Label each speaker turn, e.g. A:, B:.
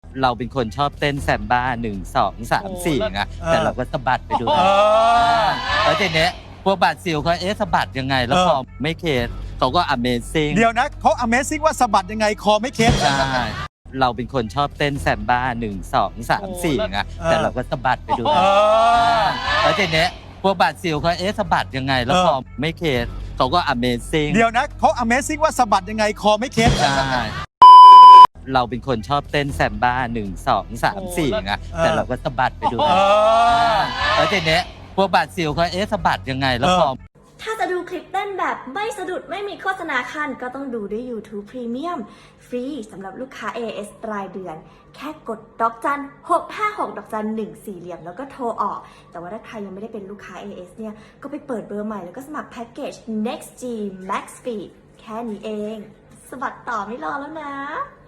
A: เราเป็นคนชอบเต้นแซมบ้า1 2 3 4ไงแต่เราก็สะบัดไปด้วยแล้วทีเนี้ยพวกบาดซิลเขาสะบัดยังไงแล้วพอไม่เคสเขาก็ Amazing
B: เดี๋ยวนะเขา Amazing ว่าสะบัดยังไงคอไม่เคส
A: ใช่เราเป็นคนชอบเต้นแซมบ้า1 2 3 4ไงแต่เราก็สะบัดไปด้วยแล้วทีเนี้ยพวกบาดซิลเขาสะบัดยังไงแล้วพอไม่เคสเขาก็ Amazing
B: เดี๋ยวนะเขา Amazing ว่าสะบัดยังไงคอไม่เคส
A: ใช่เราเป็นคนชอบเต้นแซมบ้า1 2 3 4ไงแต่เราก็สะบัดไปด้วยแล้วทีเนี้ยพวกบาดซิลเขาสะบัดยังไงแล้วพอ
C: ถ้าจะดูคลิปเต้นแบบไม่สะดุดไม่มีโฆษณาคันก็ต้องดูด้วย YouTube Premium ฟรีสำหรับลูกค้า AIS รายเดือน แค่กดดอกจัน656ดอกจัน1 4เหลี่ยมแล้วก็โทรออก แต่ว่าถ้าใครยังไม่ได้เป็นลูกค้า AIS เนี่ยก็ไปเปิดเบอร์ใหม่แล้วก็สมัครแพ็กเกจ Next G Max Speed แค่นี้เอง สบัดต่อไม่รอแล้วนะ